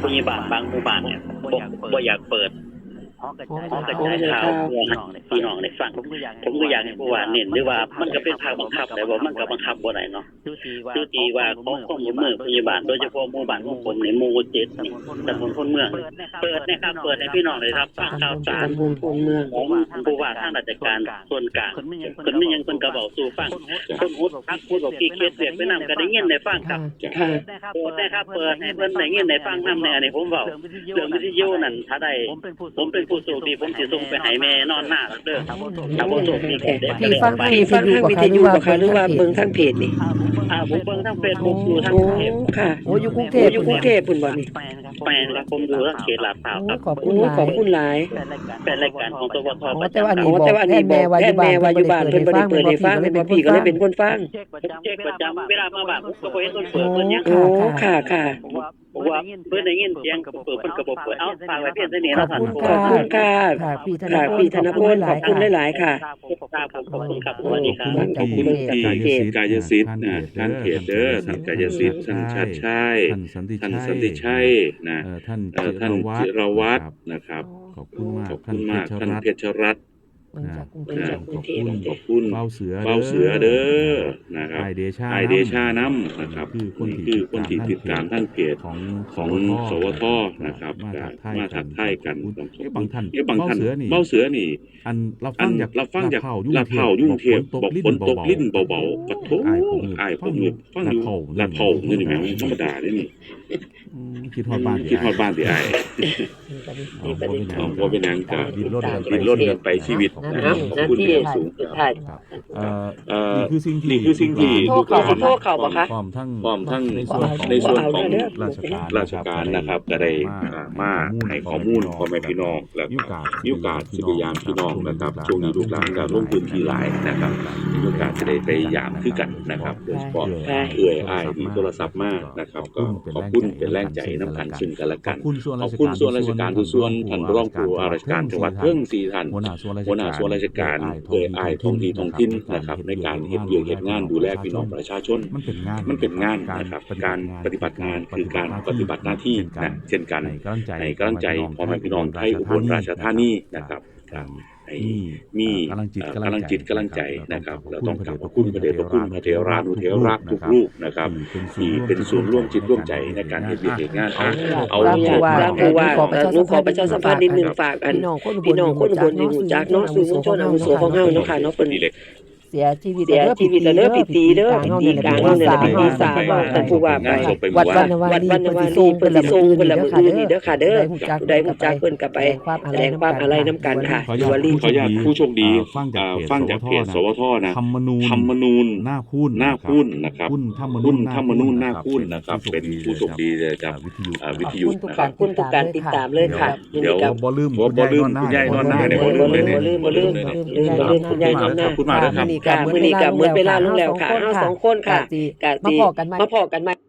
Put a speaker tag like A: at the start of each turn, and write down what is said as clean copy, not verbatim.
A: ผู้ใหญ่บ้านบางหมู่บ้านเนี่ยบ่อยากเปิดห้องกระจายข่าวเพื่อให้พี่น้องได้ฟังผมก็อยากให้ผู้ว่าเน้นด้วยว่ามันก็เป็นภาคบังคับแต่ว่ามันก็บังคับบ่ได้เนาะคือที่ว่าของข้อมูลเมืองผู้ใหญ่บ้านโดยเฉพาะหมู่บ้านของผมในหมู่7นี่ตำบลพลเมืองเปิดนะครับเปิดให้พี่น้องได้รับฟังข่าวสารของผู้ว่าทางราชการส่วนกลางเพิ่นมีหยังเพิ่นก็เว้าสู่ฟังคนฮู้พักพูดบอกกี่เคสเรียกไปนำก็ได้ยินได้ฟังครับเปิดได้ครับเปิดให้เพิ่นได้ยินได้ฟังนำในอันนี้ผมเว้าเรื่องวิทยุนั่นถ้าได้ผมเป็นผู้โชคดีผมสิส่งไปให้แม่นอนหน้าเด้อถ้าบ่โชคดีก็ได้
B: พี่ฟังทางวิทยุบ่คะหรือว่าเบิ่งทางเพจนี่
A: ผมเบิ่งทาง Facebook อยู่ทางเพจ
B: ค่ะโอ้อยู่กรุงเทพพุ่นบ่นี่
A: แม่นครับผมอยู่ทางเขตลาดพร้าวครับ
B: ขอบคุณหลาย
A: เป็นรายการของตวทประ
B: จำ
A: แต่
B: ว่าอันนี้บอกแทนแม่ว่าอยู่บ้านเพิ่นบ่ได้เปิดให้ฟังแม่พี่ก็เลยเป็นคนฟัง
A: เช็คประจำเวลามาบ้านผมก็บ่เห็นเพิ่นเปิดเพิ่นยัง
B: ค่ะ
A: ว่าเพิ่นได้ยินเสียงเปิดเพิ่นก็บ่เปิดเอ้าฝากไว้เพียงเท่านี้นะท่าน
B: ขอบคุณค่ะพี่ธนพลขอบคุณหลายๆค่ะ
A: ขอบคุณครับสวัสดีครับ
C: ขอบคุณที่กายสิทธิ์นะท่านเพจเด้อท่านกายสิทธิ์ท่านชัดชัยท่านสันติชัยนะท่านจิรวัฒน์นะครับขอบคุณมากท่านเพชรรัตน์ขอบคุณเบาเสือเด้อนะครับไอเดชาน้ำนะครับคือคนที่ติดตามท่านเพจของสวทนะครับมาถักไทยกันบางท่านเบาเสือนี่อันรับฟังจากลาดเผายุ่งเทียบบอกฝนตกลิ้นเบาๆปะโถผมฟังอยู่ลาดเผานี่แหละธรรมดานี่คิดฮอดบ้านสิอ้ายบ่เป็นหยังก็ดิ้นรนกันไปชีวิตนะครับขอบคุณที่สูงนี่คือสิ่งที่
B: โทษเขาบ่คะ
C: พร้อมทั้งในส่วนของราชการนะครับก็ได้มาให้ข้อมูลพ่อแม่พี่น้องและมีโอกาสสิพยายามพี่น้องนะครับช่วงนี้ลูกหลานก็ลงพื้นที่หลายนะครับมีโอกาสจะได้ไปยามคือกันนะครับโดยเฉพาะอ้ายมีโทรศัพท์มานะครับก็ขอบคุณเป็นแรงใจน้ำกันซึ่งกันและกันขอบคุณส่วนราชการทุกส่วนท่านรองผู้ว่าราชการจังหวัดเพิ่ง4ท่านหัวหน้าส่วนราชการอ้ายท้องถิ่นนะครับในการเฮ็ดเฮ็ดงานดูแลพี่น้องประชาชนมันเป็นงานนะครับการปฏิบัติงานคือการปฏิบัติหน้าที่นะเช่นกันให้กำลังใจพ่อแม่พี่น้องไทยอุบลราชธานีนะครับมีกำลังจิตกำลังใจนะครับเราต้องขอบคุณพระเดชพระคุณพระเถรานุเถระทุกรูปนะครับที่เป็นส่วนร่วมจิตร่วมใจในการเฮ็ดงานเอา
B: ผู้ว่าขอประชาสัมพันธ์นิดนึงฝากพี่น้องคนอุบลนี่รู้จักเนาะสื่อมวลชนอาวุโสของเฮาเนาะค่ะเนาะเพิ่นเสียชีวิตแล้วเด้อพี่ตีเด้อพี่กลางเฮาเนี่ยพี่ตีสาวว่าท่านผู้ว่าไปวัดวรรณวารีเพิ่นสิส่งเพิ่นละมื้อนี้เด้อค่ะเด้อผู้ใดรู้จักเพิ่นก็ไปแสดงความอาลัยนำกันค่ะวารี
C: ขออนุญาตผู้โชคดีฟังจากเพจสวทนะธรรมนูญหน้าคุ้นนะครับธรรมนูญหน้าคุ้นนะครับเป็นผู้โชคดีจากวิทยุ
B: ทุกการติดตามเลยค่ะ
C: เดี๋ยวบ่ลืมคุณยายนอนหน้าเนี่ยบ่ลืมเลยเนี่ย
B: บ่ลืมคุณยายนอนหน้า
C: ขอบคุณมากนะครับ
B: มื้อนี้ก็หมดเวลาลงแล้วค่ะเฮา2คนค่ะมาพอกันใหม่